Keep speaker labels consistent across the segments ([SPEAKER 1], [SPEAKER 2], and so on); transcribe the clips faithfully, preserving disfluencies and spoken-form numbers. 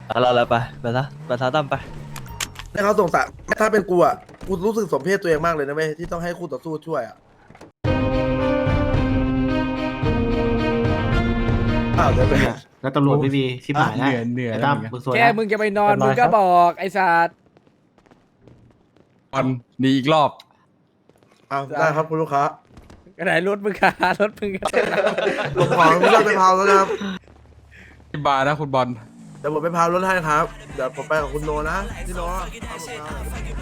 [SPEAKER 1] เอาเราแล้วไปไปซะไปซะตั้มไป
[SPEAKER 2] ให้เขาสงสารถ้าเป็นกูอ่ะกูรู้สึกสมเพศตัวเองมากเลยนะเว้ยที่ต้องให้คู่ต่อสู้ช่วยอ่ะอ้าวเดี๋ยวไป
[SPEAKER 3] แล้วตำรวจไม่มีชิบหาย
[SPEAKER 4] เห
[SPEAKER 3] แล้ว
[SPEAKER 4] นื่อยเหนื่อย
[SPEAKER 3] ไอ้
[SPEAKER 4] แล้ว
[SPEAKER 3] ตั้ม
[SPEAKER 4] เหมือนกัน
[SPEAKER 3] มึงสวย
[SPEAKER 5] แค่
[SPEAKER 3] นะ
[SPEAKER 5] มึงจะไปนอนมึงก็บอกไอ้สัตว์
[SPEAKER 4] บอลหนีอีกรอบ
[SPEAKER 2] อ้าวได้ครับคุณลูกค้าก
[SPEAKER 5] ระไหนรถมึงค่ะรถมึง
[SPEAKER 2] ลงของไม่ต้องไปพาวแล้วนะครับ
[SPEAKER 4] ที่บาร์นะคุณบอล
[SPEAKER 2] เดี๋ยวผมไปพาวรถให้ครับเดี๋ยวผมไปกับคุณโนนะพี่โนเอาผมพาว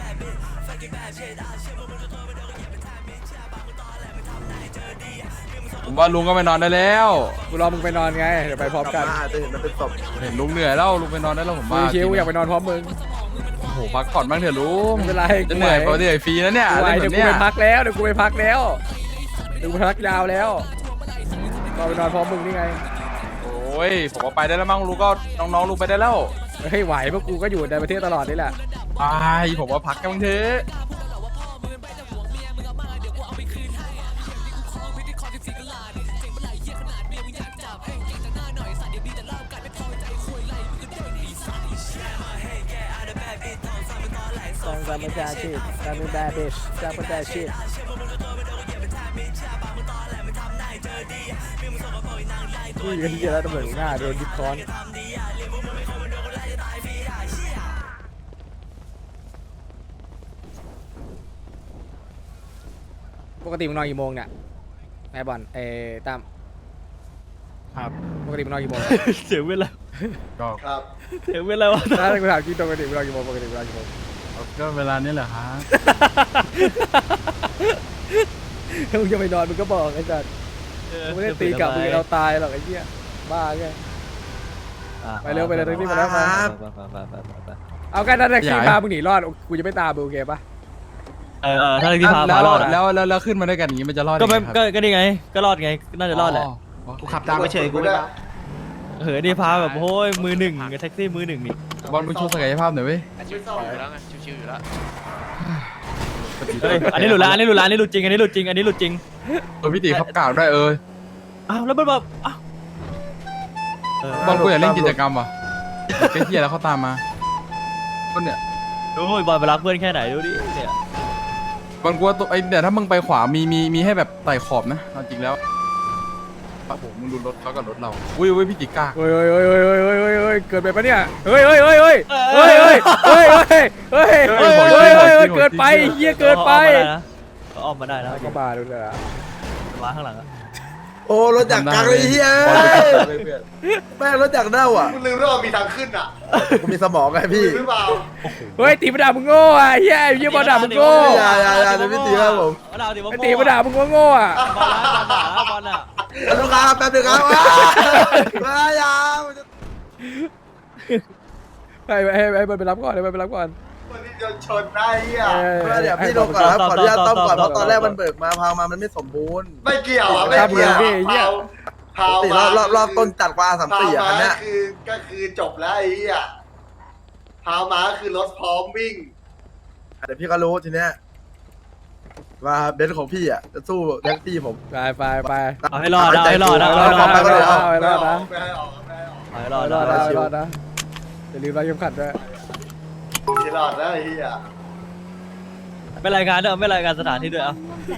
[SPEAKER 4] ผมว่าลุงก็ไปนอนได้แล้ว
[SPEAKER 5] กูรอมึงไปนอนไงเดี๋ยวไปพร้อม
[SPEAKER 2] กลั
[SPEAKER 5] กับ น
[SPEAKER 2] มาอาจจะเห็นมันเป็นศพ
[SPEAKER 4] เห็นลุงเหนื่อยแล้วลุงไปนอนได้แล้วผม
[SPEAKER 5] มึ
[SPEAKER 4] ว่าง
[SPEAKER 5] ชิวอยากไปนอนพร้อมมึง
[SPEAKER 4] โอ้โหพักผ่อนบ้างเถอะลุง
[SPEAKER 5] ไม่เป็นไร
[SPEAKER 4] จะเหนื่อยปกติฟรีนะเนี่ย
[SPEAKER 5] กูไหว
[SPEAKER 4] เล่นแบ
[SPEAKER 5] เดี๋ยว
[SPEAKER 4] บ
[SPEAKER 5] กู
[SPEAKER 4] เนี้ย
[SPEAKER 5] ไปพักแล้วเดี๋ยวกูไปพักแล้วเดี๋ยวกูไปพักยาวแล้วรอไปนอนพร้อมมึงนี่ไง
[SPEAKER 4] โอ้ยผมว่าไปได้แล้วมั้งลุงก็น้องๆลุงไปได้แล้ว
[SPEAKER 5] เฮ้ยไหวเพราะกูก็อยู่ในประเทศตลอดนี่แหละ
[SPEAKER 4] ไปผมว่าพักกันบ้างเถอะ
[SPEAKER 5] สร้างประชาชีพสร้างเป็นแบบเบชสร้างประชาชีพนี่ก็ที่จะแล้วตำรวจหน้าโดนยึดค้อนปกติมึงนอนกี่โมงเนี่ยไอ้บอลไอ้ตั้ม
[SPEAKER 4] ครับ
[SPEAKER 5] ปกติมึงนอนกี่โมง
[SPEAKER 1] เสียงเวลา
[SPEAKER 4] ก็
[SPEAKER 2] ครับ
[SPEAKER 1] เสียงเวลาวะ
[SPEAKER 5] ถ้ากูถามจริงปกติมึงนอนกี่โมงปกติมึงนอนกี่โมง
[SPEAKER 4] ก็เวลานี้แหละครับ
[SPEAKER 5] ถ้ามึงจะไปนอนมึงก็บอกไอ้สัสมึงไม่ได้ตีกลับมึงจะเราตายหรอกไอ้เหี้ยบ้าไง
[SPEAKER 1] อ่ะ
[SPEAKER 5] ไปเร็วไปเร็วตรงนี้มาแล้วมา
[SPEAKER 1] ไปไปไปไปไปไป
[SPEAKER 5] เอากันนั่นแหละขี่พามึงหนีรอดกูจะไม่ตามมึงโอเคปะ
[SPEAKER 1] เออเออถ้าที่พา
[SPEAKER 4] แล้
[SPEAKER 1] พาว รอดอะ
[SPEAKER 4] แล้วแล้วแล้วขึ้นมาด้วยกันอย่างนี้มันจะรอด
[SPEAKER 1] ก็ไม่
[SPEAKER 4] ยังงครับ
[SPEAKER 1] ก็ก็นี่ไงก็รอดไงก็น่าจะรอดแหละ
[SPEAKER 3] กูขับตามไปเฉยกูไม่มา
[SPEAKER 1] เออนี่พาแบบโอ้ยมือหนึ่งแท็กซี่มือหนึ่งนี่
[SPEAKER 4] บอลมึงโชว์ศักยภาพหน่อยเว้ย
[SPEAKER 6] ชิวๆอยู่แล้วไงชิวๆอยู่แล้ว
[SPEAKER 1] เฮ้ยอันนี้หลุดละอันนี้หลุดละอันนี้หลุดจริงอันนี้หลุดจริงอันนี้หลุดจริง
[SPEAKER 4] เออพี่ตีขับกล่าวด้วยเออ
[SPEAKER 1] อ้าวแล้วมันแบบอ้าวเออบ
[SPEAKER 4] อลกูอยากเล่นกิจกรรมว่ะเจ๊เทียแล้วเขาตามมาก็เนี่ย
[SPEAKER 1] ดูบอลไปรักเพื่อนแค่ไหนดูดิเนี่ย
[SPEAKER 4] บอลกูว่าตัวไอเนี่ยถ้ามึงไปขวามีมีมีให้แบบไต่ขอบนะเอาจริงแล้วโอ้โหมึงดูรถเขากับรถเราอุ้ยอุ้ยพี่ติก้า
[SPEAKER 5] เฮ้ยเฮ้ยเฮ้ยเฮ้ยเฮ้ยเฮ้ยเฮ้ยเฮ้ยเกิดไปปะเนี่ยเฮ้ยเฮ้ยเฮ้ยเฮ้ยเฮ้ยเฮ้ยเฮ้ยเฮ้ยเฮ้ยเฮ้ยเฮ้ยเฮ้ยเฮ้ยเกิดไปเฮียเกินไป
[SPEAKER 1] เขาออกมาได้นะ
[SPEAKER 5] ก็บาดูเลยอะ
[SPEAKER 1] มาข้างหลังอะ
[SPEAKER 2] โอ้รถจากกลางเลยเฮียแม่งรถจากเน่าอ่ะ
[SPEAKER 6] คุณลืมว่ามีทางขึ้นอ่ะ
[SPEAKER 2] กูมีสมองไงพี่
[SPEAKER 6] หรือเปล่า
[SPEAKER 5] เฮ้ยตีมาด่ามึงโง่อะเฮียเฮียบอลด่ามึงโง่
[SPEAKER 2] อย่าอย่าอย่าเดี๋ยวพี่ตีครับผม
[SPEAKER 1] ดาวตีว่า
[SPEAKER 5] ไอ้ตีมาด่ามึงโง่อะ
[SPEAKER 1] บอลนะบอลนะ
[SPEAKER 2] ลูกค้าแป๊บเดียวครับว้ายอย่า
[SPEAKER 5] ให้ให้ให้มันไปรับก่อนให้มันไปรับก่อน
[SPEAKER 6] วันนี้จะชนได้อ่ะ
[SPEAKER 2] เดี๋ยวพี่ลงก่อนครับขออนุญาตต้อมก่อนเพราะตอนแรกมันเบิกมาพาวมามันไม่สมบูรณ์
[SPEAKER 6] ไม่เกี่ยวอ่ะไม่เกี่ยวเผา
[SPEAKER 2] ตีรอบรอบรอบต้นจัดกว่าสาม
[SPEAKER 6] เผา
[SPEAKER 2] สี่อ่ะ
[SPEAKER 6] มา
[SPEAKER 2] อันเนี้ย
[SPEAKER 6] คือก็คือจบแล้วไอ้เหี้ยเผามาคือรถพร้อมวิ่ง
[SPEAKER 2] เดี๋ยวพี่ก็รู้ทีเนี้ยว่าเบนซ์ของพี่อ่ะจะสู้แท็กซี่ผม
[SPEAKER 5] ไปไปไป
[SPEAKER 1] เอาให้รอดเอาให้รอดนะ
[SPEAKER 5] เอา
[SPEAKER 1] เอาให้รอด
[SPEAKER 5] ไป
[SPEAKER 1] นะ
[SPEAKER 5] ก่อน
[SPEAKER 6] ไม่ให้ออกไม่ให้ออกไม่ให้ออก
[SPEAKER 1] เอาให้ร
[SPEAKER 5] ร
[SPEAKER 1] อ
[SPEAKER 5] อ
[SPEAKER 1] ด
[SPEAKER 5] ดรอด
[SPEAKER 1] นะ
[SPEAKER 5] รอดรอดนะอย่าลืมรัดเข็มขัดด้วย
[SPEAKER 6] ที่รอดแล้วไอ้เหี้ย
[SPEAKER 1] ไม่รายงานด้วยไม่รายงานสถานที่ด้วยอ่ะ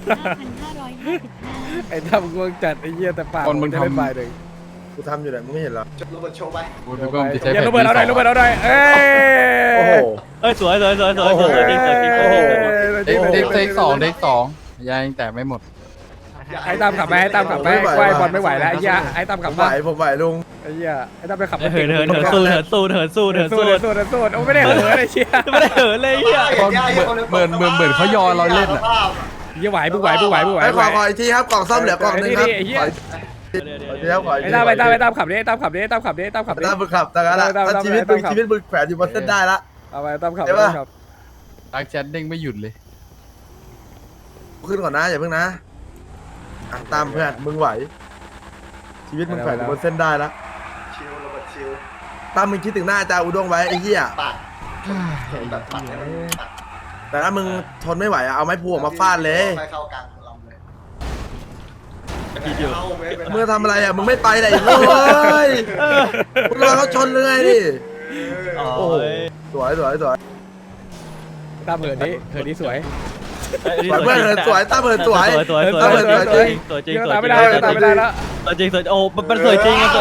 [SPEAKER 5] ไอ้ท่ามึงง่วงจัดไอ้เหี้ยแต่ปากจะได้ไปหนึ่ง
[SPEAKER 2] กูทำอยู่ไหนมึงไม่เห็นเหรอ
[SPEAKER 6] จบรถบนโชว์ไป
[SPEAKER 4] กูดูก็จะใช้
[SPEAKER 5] อย่า
[SPEAKER 4] แผ่น
[SPEAKER 5] ระเบิดเอาหน่อยระเบิดเอาหน่อยเอ้ย
[SPEAKER 2] โอ้โห
[SPEAKER 1] เอ้ยสวยสวยสวยสวยสวยจริงจริงจริง
[SPEAKER 2] โอ้โห
[SPEAKER 4] เด็กเด็กเด็กสองเด็กสองยังแต่ไม่หมด
[SPEAKER 5] ไอ้ตามขับไปไอ้ตามขับไปไอ้บอลไม่ไหวแล้วไอ้เหี้ยไอ้ตาม
[SPEAKER 2] ผ
[SPEAKER 5] ขับ
[SPEAKER 2] มไหว
[SPEAKER 5] มา
[SPEAKER 2] ผมไหวลุง
[SPEAKER 5] ไอ้เหี้ยไอ้ตามไปขับ
[SPEAKER 1] เหินเหินเหินสู้เหินสู้เหินสู้เหิน
[SPEAKER 5] สู้
[SPEAKER 1] สู้
[SPEAKER 5] สู้สู้โอ้ไม่ได้เหินไอ้เชี่ย
[SPEAKER 1] ไม่ได้เหินเลยเฮีย
[SPEAKER 4] เหมือนเหมือนเหมือนเขายอเราเล่นอ่ะ
[SPEAKER 5] เหี้ยไหวมึงไหวมึงไหวมึงไหว
[SPEAKER 2] ไอ้ขอขออีกทีครับกล่องซ่อมเหลือกล่องนึงครับขออีกทีครับขออีก
[SPEAKER 5] ไอ้
[SPEAKER 2] ที
[SPEAKER 5] ตามไอ้ตามไอ้ตามขับดิไอ้ตามขับดิไอ้ตามขับดิไอ้ตามขับดิ
[SPEAKER 2] ถ้ามึงขับแต่ละถ้าชีวิตมึงชีวิตมึงแขวนอยู่บนเส้นได้ละ
[SPEAKER 5] เอาไปตามขับ
[SPEAKER 2] ใช่
[SPEAKER 5] ตา
[SPEAKER 2] ปะ
[SPEAKER 5] มขับ
[SPEAKER 4] ดักแชทเด้งไม่หยุดเลย
[SPEAKER 2] ขึ้นก่อนนะอย่าเพิ่งนะอ่ะตามเพื่อนมึงไหว ชีวิตมึงแขวนอยู่บนเส้นได้ละ
[SPEAKER 6] ชิวระเบิดชิว
[SPEAKER 2] ตามมึงคิดถึงหน้าอาจารย์อุด้งไว้ไอ้เหี้ย
[SPEAKER 6] ปัดแบบปัดให้มันปัด
[SPEAKER 2] แต่ถ้ามึงทนไม่ไหวอะเอาไม้พวงมาฟาดเลย
[SPEAKER 6] ไปเข้ากลางลำเลย
[SPEAKER 1] ทีเดียว
[SPEAKER 6] เข้าเว้ยไป
[SPEAKER 2] มึงทำอะไรอ่ะมึงไม่ไปไหนเลยมึงรอเขาชนเลยดิ
[SPEAKER 6] เออ
[SPEAKER 1] โอ้
[SPEAKER 2] โอ้โห
[SPEAKER 1] ย
[SPEAKER 2] สวยสวยสวย
[SPEAKER 5] ตามเหินนี้เหินนี้สวย
[SPEAKER 2] สวยเพื่อนเหินสวยตามเหินสวย
[SPEAKER 1] สวยสวย
[SPEAKER 2] ตามเหินสวยจริง
[SPEAKER 1] สวยจริง
[SPEAKER 5] เดี๋ยว
[SPEAKER 1] สวย
[SPEAKER 5] ตาม
[SPEAKER 1] จริ
[SPEAKER 5] ไม่
[SPEAKER 1] ง
[SPEAKER 5] ได้ตามไม่ได้แล้ว
[SPEAKER 1] สวยจริงสวยโอ้มันสวยจริงอะ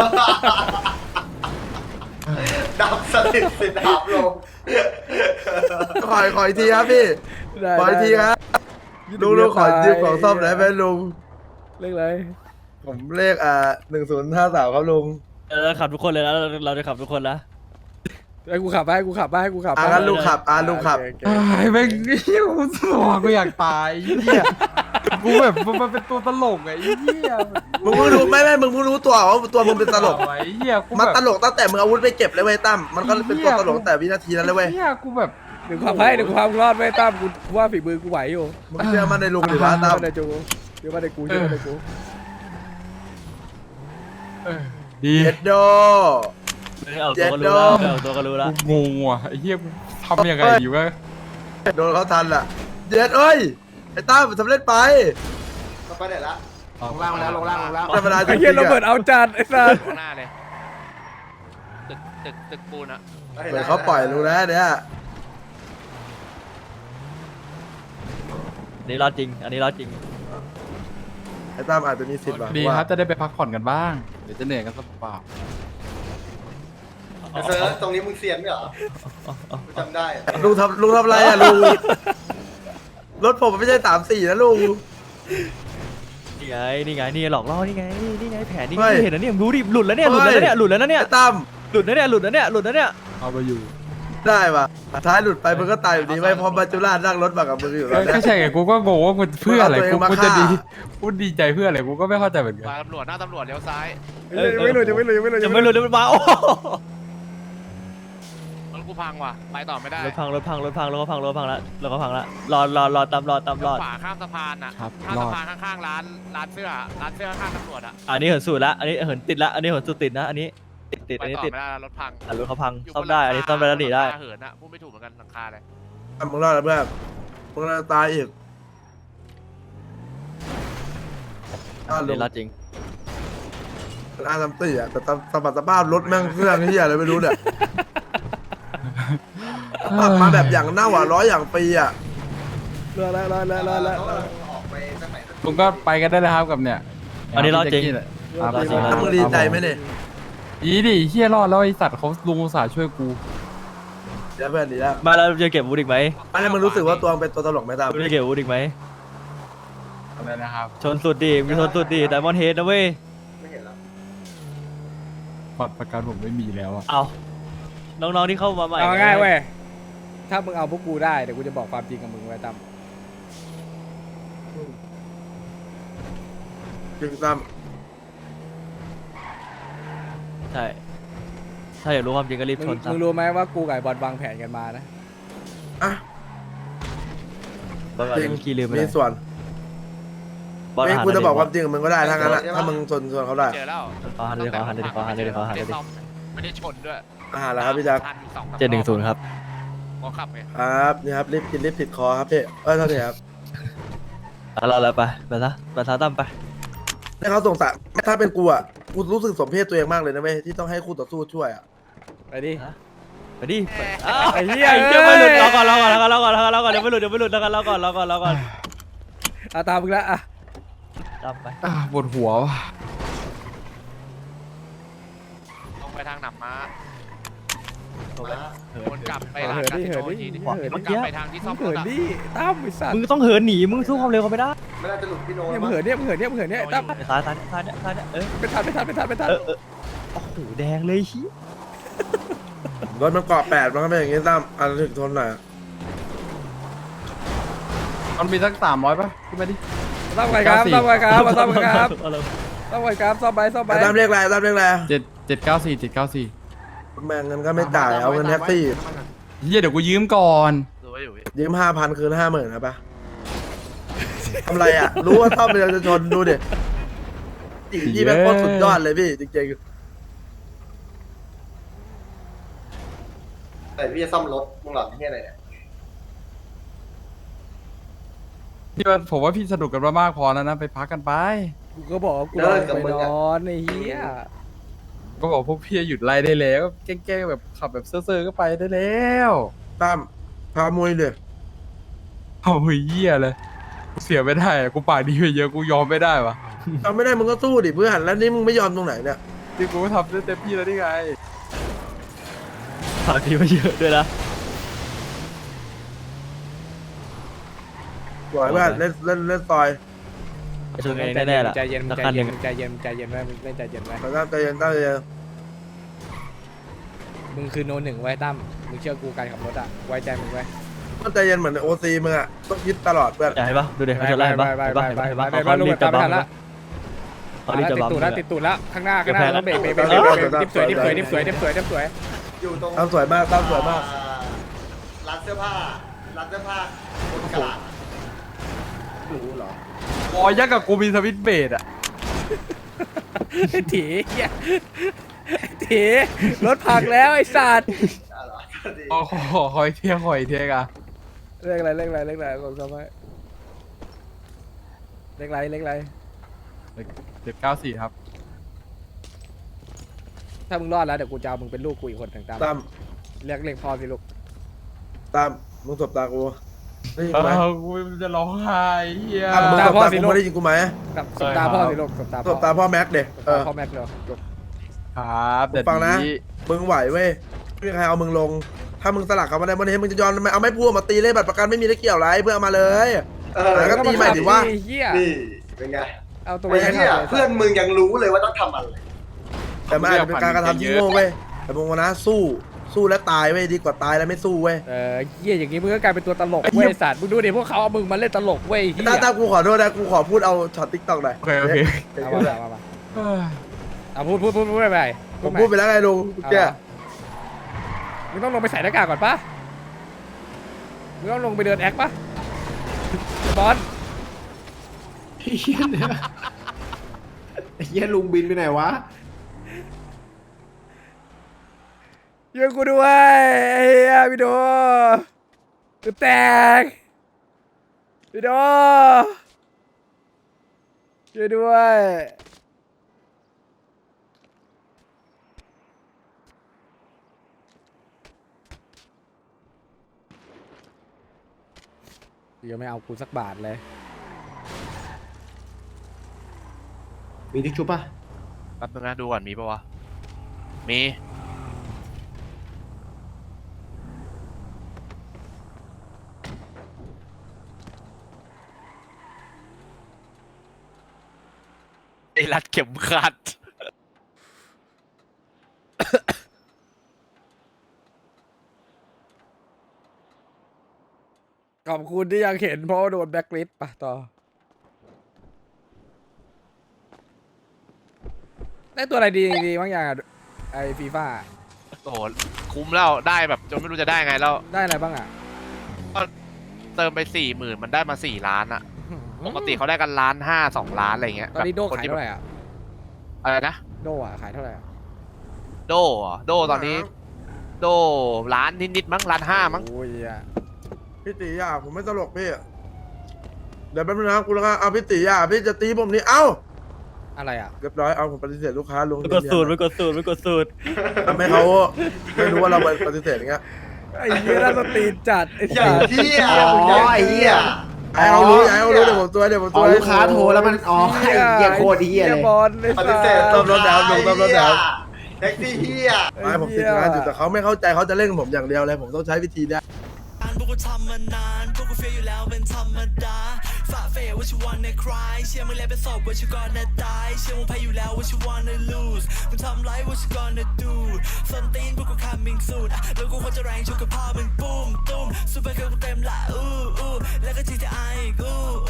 [SPEAKER 6] ดับสนิทสิดับลง
[SPEAKER 2] ขอขออีกทีครับพี่ขออีกทีครับลุงลุงขอยืมของซ่อมหน่อยไหมลุง
[SPEAKER 5] เรื่องอะไร
[SPEAKER 2] ผมเลขอ่าหนึ่งศูนย์ห้าสามครับลุง
[SPEAKER 1] เราขับทุกคนเลยแล้วเราจะขับทุกคนแล้ว
[SPEAKER 5] ให้กูขับไปให้กูขับไปให้กูขับไป
[SPEAKER 2] อ่ะงั้นลุงขับอ่ะลุงขับ
[SPEAKER 5] โอเค
[SPEAKER 4] ไอ้แม่งเหี้ยกูสมองกูอยากตายไอ้เหี้ยกูแบบมันเป็นตัวตลกไงไอ้เหี้ย
[SPEAKER 2] มึงเพิ่งรู้ไม่ไม่มึงเพิ่งรู้ตัวว่าตัวมึงเป็นตลก
[SPEAKER 4] ไอ้เหี้ยกู
[SPEAKER 2] มัน
[SPEAKER 4] แบบ
[SPEAKER 2] ตลกตั้งแต่มึงอาวุธไปเก็บเลยเว้ยตั้มมันก็เป็นตัวตลกตั้งแต่วินาทีนั้นเลยเว้ย
[SPEAKER 4] เหี้ยกูแบบ
[SPEAKER 5] เดี๋ยวกูขับให้เดี๋ยวกูพามึงรอดไว้ตั้มกูกูว่าฝีมือกูไหวอยู่
[SPEAKER 2] มึงเชื่อมันในลุงหรือว่า
[SPEAKER 5] เชื่
[SPEAKER 2] ตั้
[SPEAKER 5] อ
[SPEAKER 2] ม
[SPEAKER 5] มาในจูเชื่อมาในกูเชื่อมาในกู
[SPEAKER 4] เออดี
[SPEAKER 2] เจ็ดโด
[SPEAKER 1] เอาตัวก็รู้แล้วเอาตัวก็รู้แล้ว
[SPEAKER 4] กูงงว่ะไอ้เหี้ยกูทำยังไงอยู่วะ
[SPEAKER 2] โดนเขาทันล่ะเจ็ดเอ้ยไอ้ตั้มสำเร็จไป
[SPEAKER 6] มันไปไหนละ
[SPEAKER 3] ลงล่างมาแล้วลงล่างลงล่าง
[SPEAKER 2] ธรรมดาจ
[SPEAKER 5] ไอ้
[SPEAKER 2] ริง
[SPEAKER 5] เหี้ย
[SPEAKER 2] ๆ
[SPEAKER 5] โรเบิร์ต
[SPEAKER 2] อะ
[SPEAKER 5] เอาจัดไอ้สัส
[SPEAKER 7] ข้างหน้าเลยตึกตึกตึกปูนอะ
[SPEAKER 2] เหมือนเขาปล่อยรู้แล้วเนี่ย
[SPEAKER 1] นี่รอดจริง อันนี้รอดจริง
[SPEAKER 2] ไอ้ตั้มอาจจะมีสิทธิ์ว่ะ
[SPEAKER 4] ดี
[SPEAKER 2] ว่า
[SPEAKER 4] ครับจะได้ไปพักผ่อนกันบ้างเดี๋ยวจะเหนื่อยกันสักเปล่า
[SPEAKER 6] ไอ้เซิร์ฟตรงนี้มึงเซียนไหมเหรอกูจำได้
[SPEAKER 2] ลุงทำลุงทำอะไรอ่ะลุงรถผมมันไม่ใช่สามสี่นะลุง
[SPEAKER 1] นี่ไง นี่ไง นี่หลอกล่อนี่ไง นี่ไงแผนนี่
[SPEAKER 2] เฮ้ย
[SPEAKER 1] เห็นแล้วเนี่ยดูดิ หลุดแล้วเนี่ย หลุดแล้วเนี่ย หลุดแล้วนะเนี่ย
[SPEAKER 2] ไอ้ตั้ม
[SPEAKER 1] หลุดแล้วเนี่ย หลุดแล้วเนี่ย หลุดแล้วเนี่ย
[SPEAKER 4] เอาไปอยู่
[SPEAKER 2] ได้ป่ะท้ายหลุดไปมึงก็ตายอยู่ดีไว้พอมาจุฬานั่งรถมากับมึงอยู่แล้ว
[SPEAKER 4] ก็
[SPEAKER 2] เนี่ย
[SPEAKER 4] ใช่ไงกูก็งงว่ามันเพื่ออะไร
[SPEAKER 2] เอาตัวเอง
[SPEAKER 4] กู
[SPEAKER 2] มา
[SPEAKER 4] กูจะ
[SPEAKER 2] ฆ่า
[SPEAKER 4] ดีกูดีใจเพื่ออะไรกูก็ไม่เข้าใจเหมือนกัน
[SPEAKER 7] มาตำรวจหน้าตำรวจเลี้ยวซ้าย
[SPEAKER 5] ยังไม่หลุดยังไม่หลุดยังไม่หลุด
[SPEAKER 1] จะไม่หลุดจะไม่มาโอ้
[SPEAKER 7] รถกูพังว่ะ ไปต่อไม่ได้
[SPEAKER 1] รถพัง รถพัง รถพัง รถก็พัง รถพังแล้วรถก็พังแล้วรอรอรอตามรอตามรอด
[SPEAKER 7] ขวาข้ามสะพานอะ
[SPEAKER 4] ครับ
[SPEAKER 7] ข้าม
[SPEAKER 4] รอ
[SPEAKER 7] สะ
[SPEAKER 4] ด
[SPEAKER 7] พานข้างๆร้านร้านเสื้อร้านเสื้อข้างตำรวจอะ
[SPEAKER 1] อันนี้เหินสุดละ อันนี้เหินติดละ อันนี้เหินสุดติดนะ อันนี้ติดติด
[SPEAKER 7] ไป
[SPEAKER 1] อันนี้
[SPEAKER 7] ต่อ
[SPEAKER 1] ติด
[SPEAKER 7] ไม่ได้แล้วรถพัง
[SPEAKER 1] อ่ะรถเขาพัง
[SPEAKER 7] ยู่
[SPEAKER 1] ซ่อมได้ อันนี้ซ่อมได้แล้วหนีได้
[SPEAKER 7] เหินอะพูดไม่ถูกเหมือนกันหลังคาเลย
[SPEAKER 2] มึงรอดแล้วเพื่อนมึงรอดตายอีก
[SPEAKER 1] อั
[SPEAKER 2] อ้าวน ลุ
[SPEAKER 1] นี้
[SPEAKER 2] ง
[SPEAKER 1] รอดจริง
[SPEAKER 2] อาทำตีอ่ะแต่สมบัติสภาพรถแม่งเครื่องเฮียอะไรไม่รู้เนี่ยปรับมาแบบอย่างเน่าอ่ะร้อยอย่างปีอ่ะ
[SPEAKER 5] รอแล้วรอแล้วรอแล้ว
[SPEAKER 6] ออกไปสักไหน
[SPEAKER 4] ลุงก็ไปกันได้เลยครับกับเนี่ย
[SPEAKER 1] อันนี้รอดจริง
[SPEAKER 4] ครับ
[SPEAKER 1] รอดจริง
[SPEAKER 2] ถ้ามึงดีใจไหมเนี่ย
[SPEAKER 4] อีดิเฮียรอดแล้วไอสัตว์เขาลุงอุตส่าห์ช่วยกู
[SPEAKER 2] เดี๋ยวเพื่อนดีแล้ว
[SPEAKER 1] มาแล้วจะเก็บอาวุธอีกไหม
[SPEAKER 2] อันนี้มึงรู้สึกว่าตัวมึงเป็นตัวตลกไหมตั้ม
[SPEAKER 1] ไม่ได้เก็บอาวุธอีกไหม
[SPEAKER 4] อะไรนะครับ
[SPEAKER 1] ชนสุดดิมีชนสุดดิแต่มอนเฮดนะเว้ย
[SPEAKER 6] ไม่เห็นแล้ว
[SPEAKER 4] บัตรประกันผมไม่มีแล้วอะ
[SPEAKER 1] เอาน้องๆที่เข้ามาใหม่
[SPEAKER 5] เอาง่ายเว้ยถ้ามึงเอาพวกกูได้เดี๋ยวกูจะบอกความจริงกับมึงไว้ตั้ม
[SPEAKER 2] จริงตั้ม
[SPEAKER 1] ใช่ ถ้าอยากรู้ความจริงก็รีบ
[SPEAKER 5] มึง
[SPEAKER 1] ชนซะ
[SPEAKER 5] มึงรู้ไหมว่ากูกับไอ้บอลวางแผนกันมานะ
[SPEAKER 2] อ่ะ
[SPEAKER 1] บอล
[SPEAKER 2] จริง
[SPEAKER 1] ขี้ลืมไป
[SPEAKER 2] มี
[SPEAKER 1] เลย
[SPEAKER 2] ส่วน
[SPEAKER 1] บอล
[SPEAKER 2] ไม่
[SPEAKER 1] อาหาร
[SPEAKER 2] กูจะบอก
[SPEAKER 1] ห
[SPEAKER 2] ค
[SPEAKER 1] น่
[SPEAKER 2] วาย มจริงกับมึงก็ได้ถ้างั้นอะถ้ามึงชนชวนเขาได้
[SPEAKER 7] เจอแล้ว
[SPEAKER 1] ขอหันเลยขอหันเลยขอหันเลยขอหันเลย
[SPEAKER 7] ไม่ได้ซ่อมไม่ได้ชนด้วย
[SPEAKER 2] อาหารแล้วครับพี่แจ๊ค
[SPEAKER 7] ทันสองสาม
[SPEAKER 1] เจ็ดหนึ่งศูนย์ครับ
[SPEAKER 7] ขอขับไง
[SPEAKER 2] ครับนี่ครับรีบกินรีบติดคอครับพี่เอ้ยเท่าไหร่ครับ
[SPEAKER 1] เอาเราแล้วไปไปซะไปซะตั้มไป
[SPEAKER 2] ให้เขาสงสารถ้าเป็นกูอ่ะกูรู้สึกสมเพศตัวเองมากเลยนะเว้ยที่ต้องให้คู่ต่อสู้ช่วยอ่ะ
[SPEAKER 5] ไปดิ
[SPEAKER 1] ไปดิไป
[SPEAKER 5] ไอ้เหี้ย
[SPEAKER 1] ไอ้เหี้ยไม่หลุดรอก่อนรอก่อนรอก่อนรอก่อนรอก่อนเดี๋ยวไม่หลุดเดี๋ยวไม่หลุดรอก่อนรอก่อนรอก่อนรอก่อน
[SPEAKER 5] เอาตามมึงละอ่ะ
[SPEAKER 1] ตั้มไป
[SPEAKER 4] อ่ะปวดหัวว่ะ
[SPEAKER 7] ลงไปทางหนำม้า
[SPEAKER 6] มา
[SPEAKER 7] วนกลับไป
[SPEAKER 5] เหิ
[SPEAKER 7] ทาง
[SPEAKER 5] นดิเหินดิ
[SPEAKER 7] ที
[SPEAKER 5] เหิน
[SPEAKER 7] วน
[SPEAKER 5] ดิ
[SPEAKER 7] กลับไปทางที่ซ่อม
[SPEAKER 5] เหิ
[SPEAKER 7] รถ
[SPEAKER 5] น
[SPEAKER 7] อะ
[SPEAKER 5] ดิตั้มไอ้สัตว์
[SPEAKER 1] มึงต้องเหินหนีมึงสู้ความเร็วเขาไม่ได้
[SPEAKER 6] ไม่น่าจะหลุดพี่โน้
[SPEAKER 5] เนี่ย
[SPEAKER 6] แล้ว
[SPEAKER 5] มึง
[SPEAKER 6] มั้ง
[SPEAKER 5] เหินเนี่ยมึงเหินเนี่ยมึงเหินเนี่ยตั้ม
[SPEAKER 1] ซ้ายซ้ายซ้ายเนี่ยซ้ายเนี่ยเออ
[SPEAKER 5] ไม่ทันไม่ทันไม่ทันไม่ทัน
[SPEAKER 1] เออเออโอ้โหแดงเลยชี้
[SPEAKER 2] รถมันเกาะแปดมันก็เป็นอย่างงี้ตั้มอันถึงทนหน่อยอะ
[SPEAKER 4] มันมีสักสามร้อยป่ะขึ้นมาดิ
[SPEAKER 5] ซ่อมไว้ครับซ่อมไว้ครับมาซ่อมไว้ครับ
[SPEAKER 1] เอาเลย
[SPEAKER 5] ซ่อมไว้ครับซ่อมไปซ่อมไป
[SPEAKER 2] แต่ตั้มเรียกอะไรตั้มเรียกอะไร
[SPEAKER 4] เจ็ดเจ็ดเก้าสี่เจ็ดเก้าสี่
[SPEAKER 2] แม่งเงินก็ไม่จ่ายเอาเงินแท็กซี่
[SPEAKER 4] เฮียเดี๋ยวกูยืมก่อน
[SPEAKER 7] ดูไว้อยู่พี่
[SPEAKER 2] ยืมห้าพันคืนห้าหมื่นครับปะทำไรอ่ะ รู้ว่าซ่อมเป็นจะชนดูดิจีพี่แม่งโคตรสุดยอดเลยพี่จริง
[SPEAKER 6] แต่พี่จะซ่อมรถมึงหลอนที่อะไรเนี่ย
[SPEAKER 4] พี่ว่าผมว่าพี่สนุกกันมามากพอแล้วนะไปพักกันไป
[SPEAKER 5] กูก็บอกว่ากูรอไปนอนไอ้เหี้ย
[SPEAKER 2] ๆ
[SPEAKER 4] ก็บอกพวกพี่หยุดไล่ได้แล้วแกล้งๆแบบขับแบบเซ่อๆก็ไปได้แล้ว
[SPEAKER 2] ตั้มพามวยเดี๋ย
[SPEAKER 4] เอาเฮียเลยเสียไม่ได้อะกูปากดีไปเยอะกูยอมไม่ได้วะ
[SPEAKER 2] ทำไม่ได้มึงก็สู้ดิเพื่อนแล้วนี่มึงไม่ยอมตรงไหนเนี่ย
[SPEAKER 4] ที่กูก็ทำได้เต็มที่แล้วนี่ไง
[SPEAKER 1] ฝากทีมาเยอะด้วยนะ
[SPEAKER 2] ปล่อยเพื่อนเล่นเล่นเล่นซอย
[SPEAKER 1] ชนกันเองแน่ๆล่ะ
[SPEAKER 5] ใจเย็น
[SPEAKER 1] สัก
[SPEAKER 5] ใจ
[SPEAKER 1] คันห
[SPEAKER 5] เย็
[SPEAKER 1] นึ่
[SPEAKER 5] น
[SPEAKER 1] ง
[SPEAKER 5] ใจเย็นใจเย็นไว้มึงเล่นใจเย็นไว้
[SPEAKER 2] ตั้งใจเย็นตั้งใจเย็น
[SPEAKER 5] มึงคือโนหนึ่งไว้ตั้มมึงเชื่อกูการขับรถอ่ะไว้ใจมึงไว้
[SPEAKER 2] ตั้งใจเย็นเหมือนโอซีมึงอะต้องยึดตลอดเพื่อน
[SPEAKER 1] ใช่ปะดูเด็กเขาชนไล่ปะ
[SPEAKER 5] ไป
[SPEAKER 1] เห็น
[SPEAKER 5] ไป
[SPEAKER 1] ปะ
[SPEAKER 5] ไป
[SPEAKER 1] เห็นปะ
[SPEAKER 5] ไป
[SPEAKER 1] เห็น
[SPEAKER 5] ไป
[SPEAKER 1] ปะ
[SPEAKER 5] ไปลูก
[SPEAKER 1] เขารีบ
[SPEAKER 5] ตา
[SPEAKER 1] จะ
[SPEAKER 5] ม
[SPEAKER 1] บั
[SPEAKER 5] ทั
[SPEAKER 1] ม
[SPEAKER 5] นละ
[SPEAKER 1] เขารีบ
[SPEAKER 5] ติ
[SPEAKER 1] จะ
[SPEAKER 5] ด
[SPEAKER 1] บัม
[SPEAKER 5] ตูดแล้วติดตูดแล้วข้างหน้าข้างหน้าแล้วเบรกเบรกเบรก
[SPEAKER 2] เออ
[SPEAKER 5] ดิบสวยดิบสวยดิบสวยดิบสวยดิบสวยดิบสวย
[SPEAKER 6] อยู่ตรง
[SPEAKER 2] ตั้มสวยมากตั้มสวยมาก
[SPEAKER 6] ร้านเสื้อผ้าร้านเสื้อผ้าบนกลาด
[SPEAKER 5] รู้เหรอ
[SPEAKER 4] บอยยักษ์กับกูมีสวิตช์เบรดอะ
[SPEAKER 5] ไอ้ถีเหี้ยไอ้ถีรถพังแล้วไอ้สัตว์
[SPEAKER 6] อ่ะเหรอดี
[SPEAKER 4] ขอขอคอยเที่ยคอยเที่ยกอะ
[SPEAKER 5] เลขอะไรเลขอะไรเลขอะไรกดเข้าไปเลขอะไรเลขอะไร
[SPEAKER 4] เจ็ดเก้าสี่ครับ
[SPEAKER 5] ถ้ามึงรอดแล้วเดี๋ยวกูจะเอามึงเป็นลูกกูอีกคนหนึ่งตาม
[SPEAKER 2] ตั้ม
[SPEAKER 5] เรียกเรียกพ่อสิลูก
[SPEAKER 2] ตั้มมึงสบตากูได้ยินกูไหม
[SPEAKER 4] เออกูจะร้องไห้เฮีย
[SPEAKER 2] ตั้มมึงสบตากูไม่ได้ยินกูไหม
[SPEAKER 5] กับสบตาพ่อสิลูกสบตา
[SPEAKER 2] ส
[SPEAKER 5] พ่อบ
[SPEAKER 2] ตาพ่อแม็กเด็
[SPEAKER 5] สบ
[SPEAKER 2] เอ
[SPEAKER 5] ตา
[SPEAKER 2] อ
[SPEAKER 5] พ่อแม็กเลยลูก
[SPEAKER 4] ครับแต่
[SPEAKER 2] ฟังนะ
[SPEAKER 4] ดี
[SPEAKER 2] มึงไหวเว้ยไม่มีใครเอามึงลง ถ้ามึงสลักเขามาได้วันนี้มึงจะยอมทำไมเอาไม่พูดมาตีเลยบัตรประกันไม่มีได้เกี่ยวอะไรเพื่อเอามาเลย
[SPEAKER 6] เออ
[SPEAKER 2] แล้วก็ตีใหม่ดิว่า
[SPEAKER 5] ไอ้เหี้ย
[SPEAKER 6] นี่เป็นไง
[SPEAKER 5] เอาตัว
[SPEAKER 6] ไอ้
[SPEAKER 5] ไป
[SPEAKER 6] เหี้ยเพื่อนมึงยังรู้เลยว่าต้องทำอะไร
[SPEAKER 2] แต่มันอาจจะเป็นการกระทำที่โง่เว้ยแต่มึงวันนะสู้สู้แล้วตายเว้ยดีกว่าตายแล้วไม่สู้เว้ย
[SPEAKER 5] เออเหี้ยอย่างงี้มึงก็กลายเป็นตัวตลกเว้ยไอ้สัตว์มึงดูดิพวกเขาเอามึงมาเล่นตลกเว้ยเหี้ย
[SPEAKER 2] ตาตากูขอโทษนะกูขอพูดเอาช็อตติ๊กต็อกหน่อย
[SPEAKER 4] โอเคโอเค
[SPEAKER 5] เอามาเอามา
[SPEAKER 4] เอ้ย
[SPEAKER 5] เอาพูดพูดพูดพูดไปไป
[SPEAKER 2] ผมพูดไปแล้วไงลุง
[SPEAKER 5] เอา
[SPEAKER 2] แก
[SPEAKER 5] มามึงต้องลงไปใส่หน้ากากก่อนปะมึงต้องลงไปเดินแอคปะบอล
[SPEAKER 3] ไอ้เหี้ยเนี่ยไอ้เหี้ยลุงบินไปไหนวะ
[SPEAKER 5] ช่วยกูด้วยไอ้เหี้ยพี่โดกูแตกพี่โดช่วยด้วยยังไม่เอากูสักบาทเลย
[SPEAKER 3] มีทิชชู่ป่ะ
[SPEAKER 7] แป๊บนึงนะดูก่อนมีปะวะ มีไอ้รัดเข็มขัด
[SPEAKER 5] ขอบคุณที่ยังเห็นเพราะว่าโดนแบล็คลิสต์ป่ะต่อ ได้ตัวอะไรดีดีบ้างอย่างอะไอฟีฟ่า
[SPEAKER 7] โอ้โหคุ้มแล้วได้แบบจนไม่รู้จะได้ไงแล้ว
[SPEAKER 5] ได้อะไรบ้างอ่ะ
[SPEAKER 7] เติมไปสี่หมื่นมันได้มาสี่ล้านอะปกติเขาได้กันล้านห้าสองล้านอะไรเงี้ย
[SPEAKER 5] ตอนนี้โด
[SPEAKER 7] แบบ
[SPEAKER 5] ขายเท่าไหร่อ่ะ
[SPEAKER 7] อะไรนะ
[SPEAKER 5] โดอ่ะขายเท่าไหร่อ่ะ
[SPEAKER 7] โดเหรอโดตอนนี้ โดล้านนิดๆมั้งล้านห้ามั้ง
[SPEAKER 5] โอ้ยอ่ะ
[SPEAKER 2] พี่ตีอ่ะผมไม่ตลกพี่เดี๋ยวแป๊บนึงนะกูแล้วกันเอาพี่ตีอ่ะพี่จะตีผมนี่เอ้า
[SPEAKER 5] อะไรอ่ะ
[SPEAKER 2] เรียบร้อยเอาผมปฏิเสธลูกค้าลง
[SPEAKER 1] ไม่กดสูตรไม่กดสูตรไม่กดสูตร
[SPEAKER 2] ทำให้เขาไม่รู้ว่าเราปฏิเสธอย่างเงี้ย
[SPEAKER 5] ไอ้เหี้ยน่าสตีนจัดไอ้
[SPEAKER 6] อย่า
[SPEAKER 5] สั
[SPEAKER 6] ง
[SPEAKER 5] ส
[SPEAKER 6] เหี้ย
[SPEAKER 3] อ๋อไอ้เหี้ย
[SPEAKER 2] ไอ้เขารู้ไอ้เขารู้เดี๋ยวผมตัวเดี๋ยวผม
[SPEAKER 3] อ๋
[SPEAKER 2] ตั
[SPEAKER 3] อ
[SPEAKER 2] ว
[SPEAKER 3] ลูกค้าโทรแล้วมันอ๋อไอ้เหี้ยโคตรเหี้ยเลย
[SPEAKER 5] บอลไอ้
[SPEAKER 6] ป
[SPEAKER 5] สั
[SPEAKER 6] ฏิเสธ
[SPEAKER 5] ส
[SPEAKER 2] ต้มรถดาวลงต้มรถดาว
[SPEAKER 6] แท็กซี่เหี้ย
[SPEAKER 2] ไม่ผมติดงานอยู่แต่เขาไม่เข้าใจเขาจะเล่นผมอย่างเดียวเลยผมต้องใช้วิธีเนี้ย
[SPEAKER 8] พวกกูทำมานานพวกกูเฟียอยู่แล้วเป็นธรรมดาฝ่าเฟยว่าชิวันในคลายเชื่อมึงแล้วเป็นศพว่าชิวก่อนนะตายเชื่อมึงแพ้อยู่แล้วว่าชิ wanna lose มึงทำไรว่าชิ gonna do ส้นตีนพวกกู coming soon อ่ะแล้วกูควรจะแรงชกกับพ่อมึงปุ้มตุ้มซูเปอร์เกิร์ลกูเต็มละอู้อู้แล้วก็ จี ที ไอ อีกอู้